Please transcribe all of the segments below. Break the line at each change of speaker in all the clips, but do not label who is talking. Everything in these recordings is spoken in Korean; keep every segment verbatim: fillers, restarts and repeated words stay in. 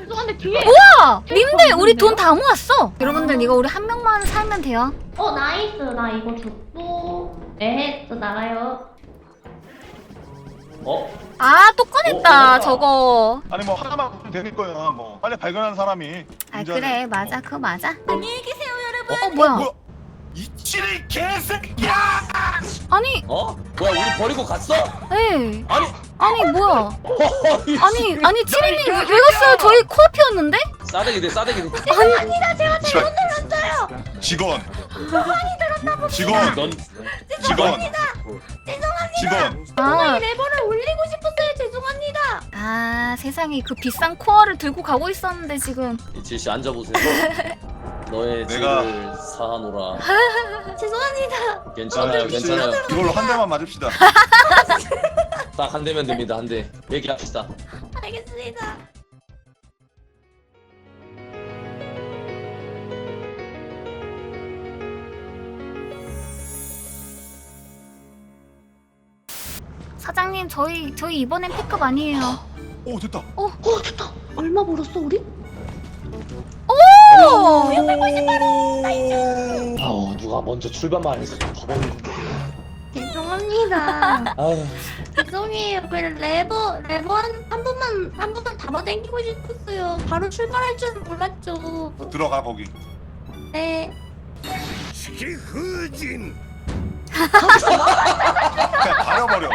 죄송한데 뒤에.
우와! 님들 우리 돈 다 모았어. 여러분들 이거 우리 한 명만 살면 돼요.
어 나이스. 나 이거 줬고. 네, 저 나가요.
어?
아 또 꺼냈다
어,
저거.
아니 뭐 하나만 되는 거야. 뭐 빨리 발견한 사람이.
아
문제는.
그래 맞아
어.
그거 맞아. 안녕히 계세요 여러분. 어,
어,
뭐야?
뭐야? 이치리 개새끼야!
아니
어? 뭐야 우리 버리고 갔어?
에이
아니
아니 뭐야?
어이
아니 아니 치리님 왜, 왜 갔어요? 저희 코앞이었는데?
싸대기 돼 싸대기 돼.
아니다 제가 잘못 눌렀어요.
직원. 직원.
넌
직원.
죄송합니다.
직원.
아,
레버를 올리고 싶었어요. 죄송합니다.
아 세상에 그 비싼 코어를 들고 가고 있었는데 지금.
이칠씨 앉아보세요. 너의
내가-
죄를 사하노라.
죄송합니다.
괜찮아요 괜찮아요.
이걸로 한 대만 맞읍시다.
딱 한 대면 됩니다 한 대. 얘기합시다.
알겠습니다.
사장님 저희 저희 이번엔 패급 아니에요.
오 됐다.
어, 어 됐다. 얼마 벌었어 우리?
오!
아우 누가 먼저 출발만 해서 더 버리는 건데.
죄송합니다.
아유
죄송해요. 그 레버 레버 한, 한 번만 한 번만 잡아당기고 싶었어요. 바로 출발할 줄은 몰랐죠.
들어가 거기.
네.
시후진. 그냥 가려버려.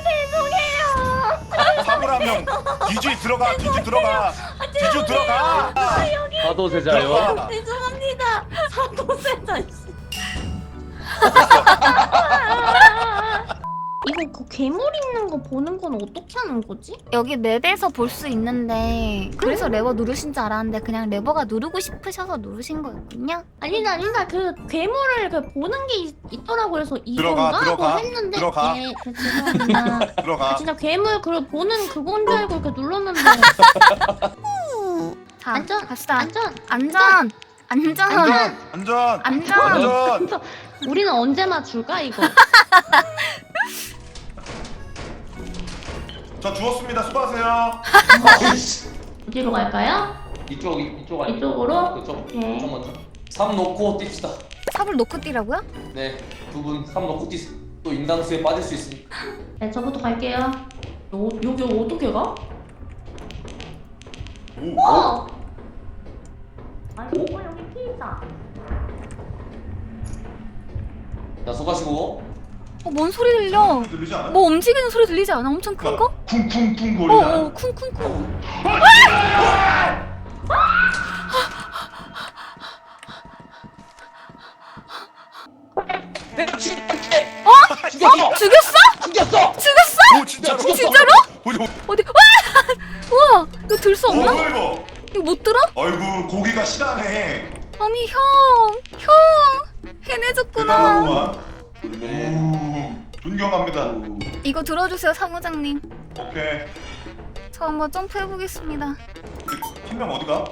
죄송해요.
사물함형 뒤주 들어가. 뒤주 들어가. 뒤주 들어가.
사도세자요.
들어가.
죄송합니다. 사도세자 씨. 이거 그 괴물 있는 거 보는 건 어떻게 하는 거지?
여기 맵에서 볼 수 있는데 그래서 레버 누르신 줄 알았는데 그냥 레버가 누르고 싶으셔서 누르신 거였군요.
아니다 아니다 그 괴물을 그 보는 게 있, 있더라고 그래서 이건가
들어가, 들어가,
하고 했는데
들어가.
네, 그 죄송합니다.
들어가.
아, 진짜 괴물 그 보는 그건 줄 알고 이렇게 눌렀는데
자
안전
갑시다.
안전
안전 안전
안전. 안전.
안전.
안전.
우리는 언제 맞출까 이거?
저 주웠습니다. 수고하세요.
어디로 갈까요?
이쪽 이쪽 아니
이쪽으로?
그쪽
네.
좀 먼저. 삼 놓고 뜁시다.
삽을 놓고 뛰라고요?
네, 두 분 삼 놓고 뛰세요. 또 인당수에 빠질 수 있으니까.
네 저부터 갈게요. 요, 여기 어떻게 가?
오.
어! 아이고 여기 피 있다.
자, 수고하시고.
어, 뭔 소리 들려?
들리지 않아?
뭐 움직이는 소리 들리지 않아? 엄청 큰 거?
쿵쿵쿵
어,
거리잖아.
어, 쿵쿵쿵.
내가 죽였어.
죽였어?
죽였어.
죽였어?
오 진짜로.
진짜로?
보지 못.
어디? 와! 우와! 이거 들 수
어
없나?
뭐야 이거?
이거 못 들어?
아이고 고기가 실하네.
아니 형! 형! 해내줬구나.
대단하구만. 오 존경합니다.
이거 들어주세요 사무장님.
오케이.
저 한번 점프해보겠습니다.
한 명 어디가?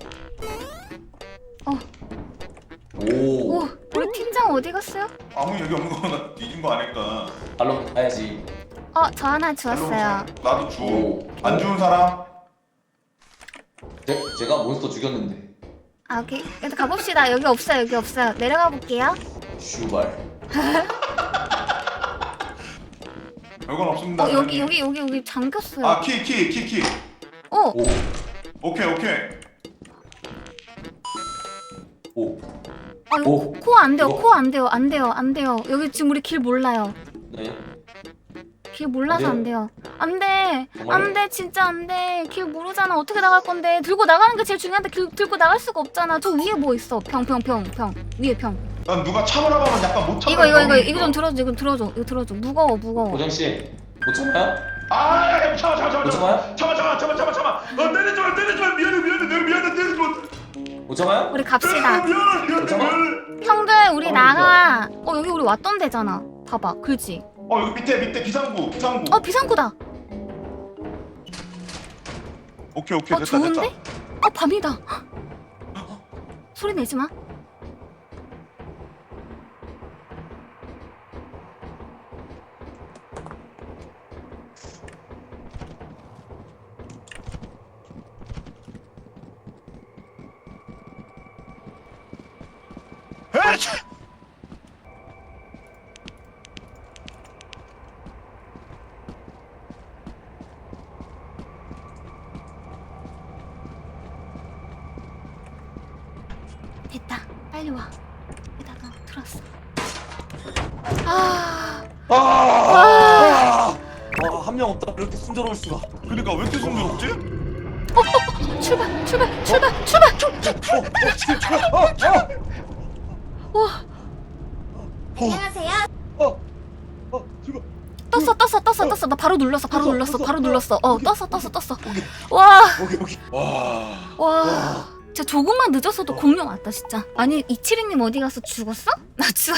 오.
오! 우리 팀장 어디 갔어요?
아무 얘기 없는 거나 뒤진 거 아닐까.
발로 가야지.
어, 저 하나 주웠어요.
나도 주.
오.
안 주운 사람?
제, 제가 몬스터 죽였는데.
아, 오케이. 일단 가봅시다. 여기 없어요, 여기 없어요. 내려가 볼게요.
슈발.
별건 없습니다.
어, 여기,
사장님.
여기, 여기, 여기 잠겼어요.
아 키 키 키 키.
어!
오.
오케이 오케이.
오.
아, 이거
오.
코 안 돼요,
이거.
코 안 돼요, 안 돼요, 안 돼요. 여기 지금 우리 길 몰라요.
네.
길 몰라서
안
안 돼요. 안 돼.
정말요?
안 돼, 진짜 안 돼. 길 모르잖아. 어떻게 나갈 건데. 들고 나가는 게 제일 중요한데 길 들고 나갈 수가 없잖아. 저 위에 뭐 있어. 평, 평, 평, 평. 위에 평.
난 누가 참으라고 하면 약간 못 참아.
이거, 이거, 이거, 이거 좀 들어줘. 이거 들어줘. 이거 들어줘. 무거워, 무거워.
고정 씨, 못 참아요?
아 참아 참아 참아
못 참아요?
참아 참아 참아 참아 참아. 어 때리지 마 때리지 마 미안해 미안해 내가 미안해 때리지 마.
못 참아요?
우리 갑시다.
미안해 미안해
잠깐만.
미안해.
형들, 우리
어,
나가. 어, 여기 우리 왔던 데잖아. 봐봐. 그렇지?
어 여기 밑에 밑에 비상구 비상구.
어, 비상구다.
오케이 오케이
어,
됐다
좋은데?
됐다.
어, 밤이다. 소리 내지 마. 됐다. 빨리 와. 여기다가 들었어. 아,
아! 아! 한 명 없다. 이렇게 순조로울 수가.
그러니까 왜 이렇게 숨겨놓지?
출발, 출발, 출발, 출발.
어, 어,
와,
안녕하세요.
어, 어, 어, 지금
떴어, 떴어, 떴어, 떴어. 나 바로 눌렀어, 바로
떴어,
눌렀어,
떴어.
바로 눌렀어. 어,
오케이.
떴어, 떴어, 떴어.
오케이.
와,
오케이, 오케이. 와.
와. 진짜 조금만 늦었어도 공룡 왔다 진짜. 아니 이칠이님 어디 가서 죽었어? 나 죽.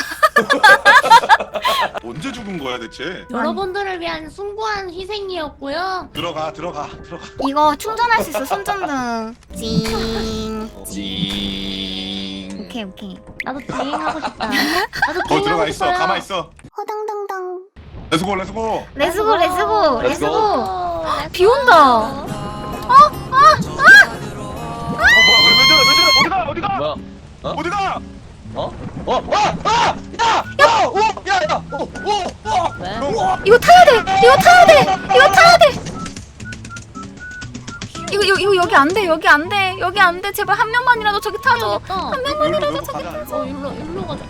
언제 죽은 거야 대체?
여러분들을 위한 숭고한 희생이었고요.
들어가 들어가 들어가.
이거 충전할 수 있어 손전등. 징.
징.
오케이 오케이.
나도 징하고 싶다. 나도
거
징하고
들어가 있어.
싶어요.
가만 있어.
허당당당.
레츠고 레츠고.
레츠고 레츠고
렛츠고.
레츠고.
어,
비 온다.
어 뭐야 왜 저래 왜 저래 어디가 어디가
뭐야? 어?
어디가?
어? 어? 와! 아! 야! 야! 오! 야! 야! 오! 오! 오!
왜?
오!
이거 타야 돼. 이거 타야 돼. 이거 타야 돼. 이거 이거 이거 여기 안 돼. 여기 안 돼. 여기 안 돼. 제발 한 명만이라도 저기 타줘.
여기 있다.
한 명만이라도
여기로
저기
가자.
타줘.
어, 일로 일로 가자.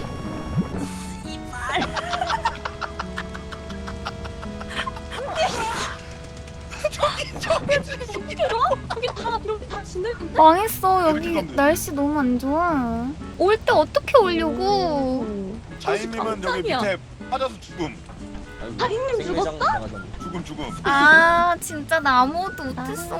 저기 다 이렇게 다 진흙인데?
망했어. 여기
여기 가면 돼.
날씨 너무 안 좋아. 올 때 어떻게 오려고?
자인님은 여기
깜짝이야.
밑에 빠져서 죽음.
다인님 죽었어?
죽음 죽음.
아 진짜 나 아무것도 못했어.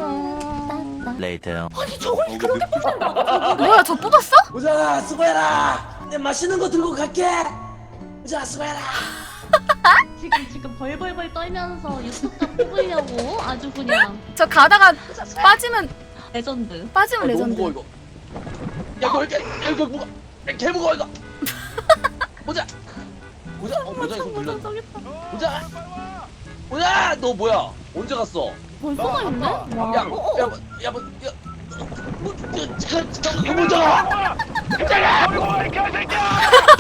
아니 저걸
어, 이거
뭐야 저 뽑았어?
보자, 수고해라. 내 맛있는 거 들고 갈게. 보자, 수고해라.
지금 지금 벌벌벌 떨면서 유튜브가 뽑으려고 아주 그냥
저 가다가 빠지면
레전드.
빠지면
너무
레전드.
무거워 이거. 야, 이거 이렇게 야, 이거 무거. 야, 개 무거워 이거. 보자. 보자. 어, 보자 이거 눌러. 보자. 보자. 너 뭐야? 언제 갔어?
벌써 가 있네?
야,
와.
야, 뭐, 야, 뭐, 야, 뭐, 야, 잠깐, 잠깐, 보자.
버리고 와, 이 개새끼야!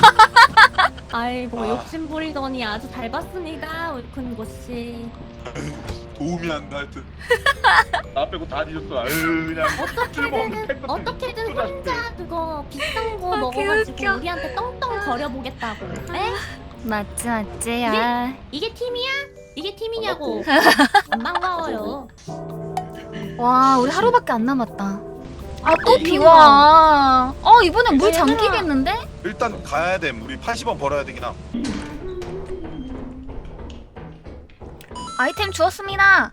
아이고
아.
욕심 부리더니 아주 잘 봤습니다 울큰 고씨.
도움이 안 가 하여튼. 나 빼고 다 뒤졌어. 아유 그냥 쓸모없는 팩 같은
어떻게든
거
혼자 그거 비싼 거
아,
먹어가지고
개웃겨.
우리한테 떵떵 거려보겠다고. 에?
맞지 맞지 야.
이게 팀이야? 이게 팀이냐고. 안 반가워요.
와 우리 하루밖에 안 남았다. 아 또 비와. 어 이번엔 물 잠기겠는데?
일단 가야 돼. 우리 팔십 원 벌어야 되긴 함.
아이템 주었습니다.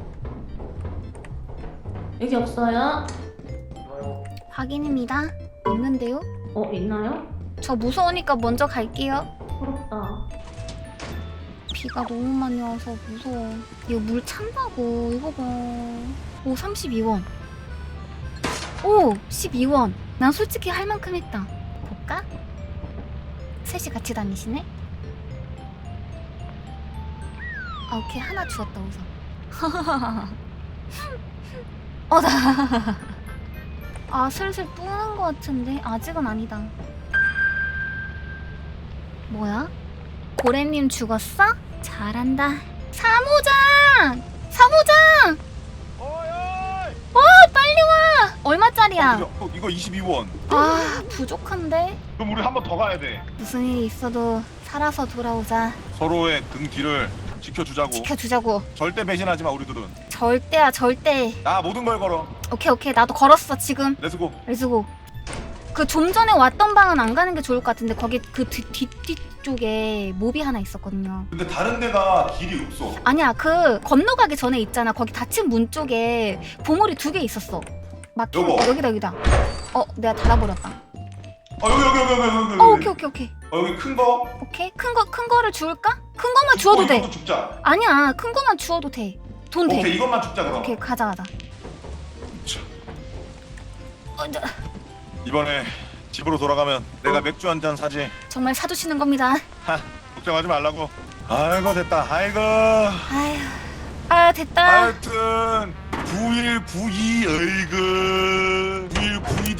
여기 없어요?
확인입니다. 있는데요?
어 있나요?
저 무서우니까 먼저 갈게요.
부럽다.
비가 너무 많이 와서 무서워. 이거 물 찬다고. 이거 봐. 오 삼십이 원. 오 십이 원. 난 솔직히 할 만큼 했다. 볼까? 셋이 같이 다니시네? 아 오케이 하나 주었다 우선. 어 나. 아 슬슬 뿌는 것 같은데 아직은 아니다. 뭐야? 고래님 죽었어? 잘한다. 사모장! 사모장!
어이
어 빨리 와! 얼마짜리야?
이거, 이거 이십이 원.
아 부족한데?
그럼 우리 한 번 더 가야 돼.
무슨 일이 있어도 살아서 돌아오자.
서로의 등 뒤를 지켜주자고.
지켜주자고.
절대 배신하지 마 우리들은.
절대야 절대.
나 모든 걸 걸어.
오케이 오케이 나도 걸었어 지금.
렛츠고.
렛츠고. 그 좀 전에 왔던 방은 안 가는 게 좋을 것 같은데 거기 그 뒤, 뒤, 뒤쪽에 몹이 하나 있었거든요.
근데 다른 데가 길이 없어.
아니야 그 건너가기 전에 있잖아. 거기 닫힌 문 쪽에 보물이 두 개 있었어. 막힌
여보.
어, 여기다 여기다. 어 내가 닫아버렸다.
어 여기 여기 여기 여기 여기. 여기.
어 오케이 오케이 오케이.
어 여기 큰 거.
오케이 큰 거 큰 거를 주울까? 큰 거만 주워도
어,
돼.
이것도 죽자.
아니야 큰 거만 주워도 돼. 돈 돼.
오케이 이것만 죽자 그럼.
오케이 가자 가자.
자,
어, 저,
이번에 집으로 돌아가면 내가 맥주 한 잔 사지.
정말 사주시는 겁니다.
하, 걱정하지 말라고. 아이고 됐다. 아이고.
아휴 아 됐다.
하여튼 구일구이 어이구 구일구이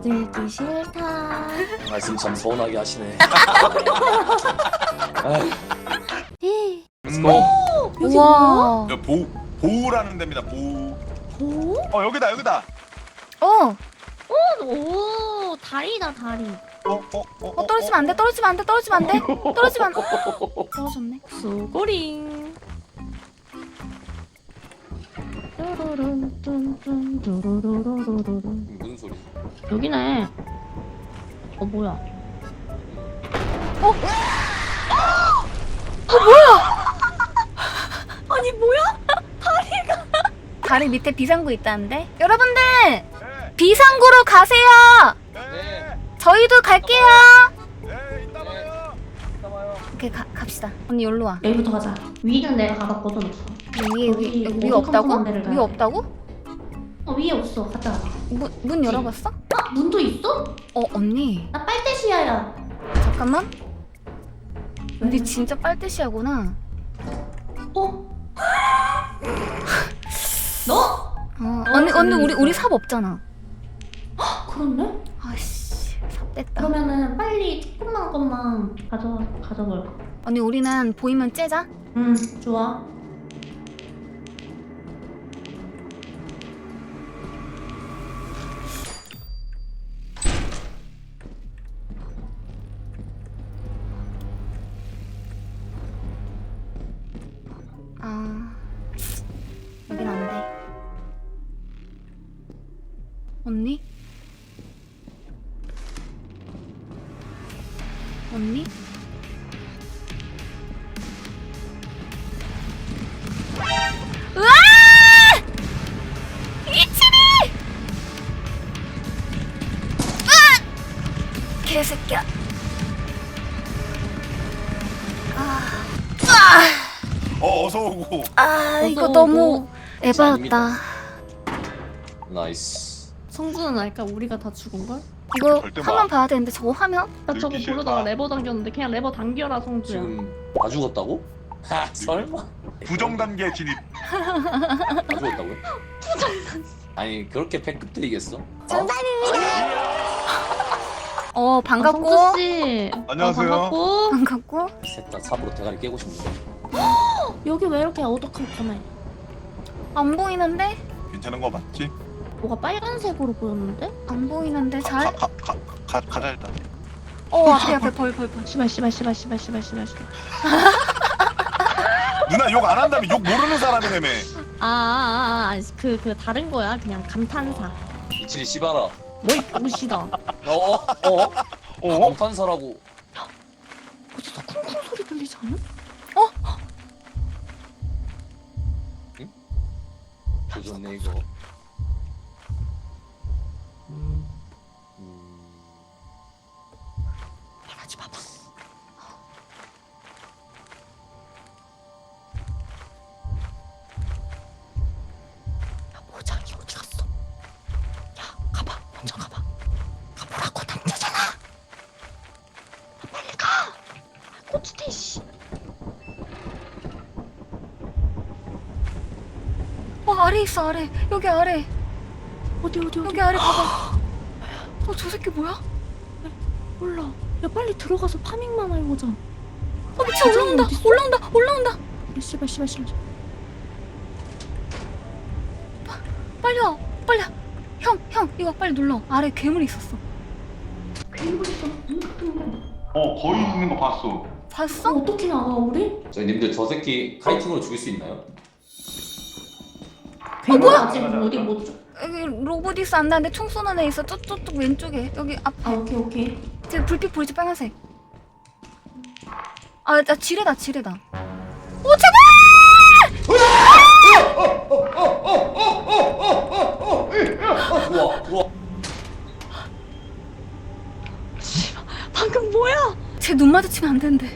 들기 싫다.
말씀 참 서운하게 하시네. 아휴,
음,
고!
여기
우와.
여 보 보우라는 데입니다. 보우.
뭐?
어 여기다 여기다.
어.
오 다리다 다리.
어, 어, 어,
어 떨어지면 안 돼. 떨어지면 안 돼. 떨어지면 안 돼. 떨어지면 안 돼. 떨어졌네.
수고링. 뚜루룬 뚠뚠 뚜루루루루루루.
무슨 소리?
여기네. 어 뭐야? 아니 뭐야?
다리 밑에 비상구 있다는데? 여러분들
네,
비상구로 가세요.
네,
저희도 갈게요.
네, 이따 봐요.
이따 봐요.
오케이 가, 갑시다. 언니 여기로 와.
여기부터 가자. 위는 내가 가봤거든 없어.
위에 위,
여기
여기 위에 없다고?
어두컴컴한 데를 가야
위에
돼.
없다고?
어 위에 없어. 가자.
문, 문 열어봤어?
아 문도 있어?
어 언니
나 빨대시야야.
잠깐만.
왜?
언니 진짜 빨대시야구나.
어? 너?
어, 언니 언니 우리 우리 삽 없잖아.
그렇네?
아씨 삽 뺐다.
그러면은 빨리 조금만 것만 가져 가져볼까?
언니 우리는 보이면 째자.
응 좋아.
아 여긴 안 돼. 언니? 언니? 으아! 이치리! 으아! 개새끼야. 아,
어 어서 오고.
아 이거
어서
너무
오고.
에바였다.
나이스.
성주는 알까? 우리가 다 죽은걸?
이거
절대
화면
봐.
봐야 되는데 저거 화면?
나 저거
들기
부르다가
싫다.
레버 당겼는데 그냥 레버 당겨라 성주야.
지금 다 죽었다고? 하, 설마?
부정 단계 진입.
다 죽었다고요? 아니 그렇게 패급 드리겠어?
어 반갑고
성주씨.
안녕하세요.
어, 반갑고.
반갑고.
셋다 삽으로 대가리 깨고 싶네.
여기 왜 이렇게 어두컴컴해?
안 보이는데?
괜찮은 거 맞지?
뭐가 빨간색으로 보였는데?
안 보이는데 잘?
가가가 가자 일단.
어 앞에 앞에 벌 벌 벌.
씨발 씨발 씨발 씨발 씨발 씨발 씨발.
누나 욕 안 한다면 욕 모르는 사람이라며.
아아아그 그 다른 거야 그냥 감탄사.
이칠이 씨발아.
뭐이 옷이다.
어? 어?
어?
방탄사라고.
어디서 쿵쿵 소리 들리지 않아?
조졌네 이거. 음. 음.
말하지 마봐. 야 모장이 어디 갔어? 야 가봐 먼저 가봐. 가보라고 남자잖아. 빨리 가. 꼬치대 씨.
아래 있어 아래. 여기 아래.
어디 어디 어디?
여기 아래 봐봐. 어 저 새끼 뭐야?
몰라. 야 빨리 들어가서 파밍만 해보자.
어 미쳐 올라온다
어딨어?
올라온다 올라온다.
씨발 씨발 씨발.
빨리 와 빨리 와. 형 형 이거 빨리 눌러. 아래 괴물이 있었어.
괴물 있어. 눈 같은 거.
어 거의 있는 거 봤어.
봤어?
어떻게 나가 우리?
저희 님들 저 새끼 카이팅으로 죽일 수 있나요?
괴물
뭐야?
아직 우리 못 줘.
여기 로보디스 안 나는데 총 쏘는 애 있어. 뚝뚝뚝 왼쪽에 여기 앞.
아 오케이 오케이.
제 불빛 보이지 빨간색. 아, 나 지뢰다 지뢰다. 오 제발!
우와 우와.
방금 뭐야?
쟤 눈 마주치면 안 되는데.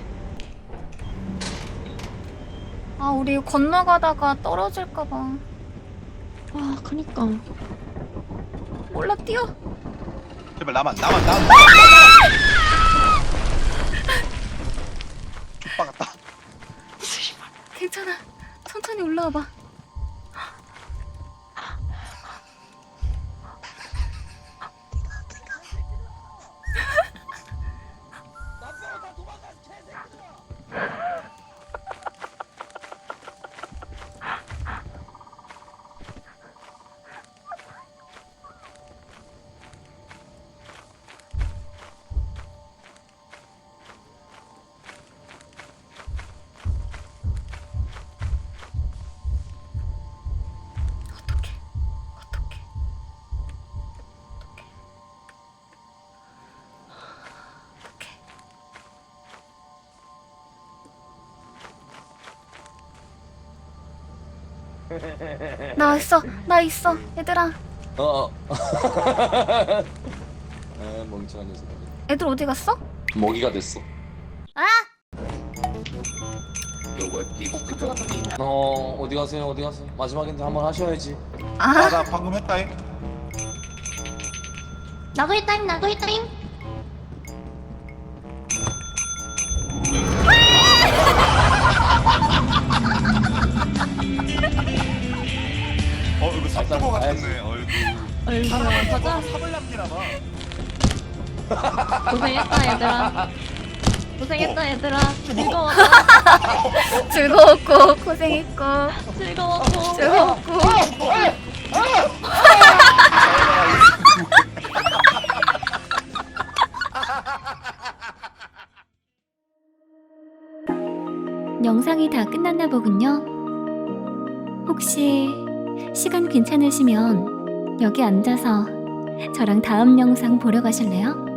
아 우리 건너가다가 떨어질까봐.
아 그니까.
몰라 뛰어.
제발 나만 나만 나만. 족박았다.
괜찮아. 천천히 올라와봐. 어떡해. 어떡해. 어떡해. 어떡해. 나 있어. 나 있어. 얘들아.
어. 아 멍청한 녀석.
애들 어디 갔어?
먹이가 됐어.
아!
어 어디 가세요 어디 가세요. 마지막인데 한번 하셔야지.
아!
나 방금 했다잉.
나도 있다잉 나도 있다잉.
어 이거 삽거 같았네. 얼굴.
얼굴 가자.
삽을 남기나 봐.
고생했다 얘들아. 고생했다 얘들아. 즐거웠다.
즐거웠고 고생했고
즐거웠고.
즐거웠고 영상이 다 끝났나 보군요. 혹시 시간 괜찮으시면 여기 앉아서 저랑 다음 영상 보러 가실래요?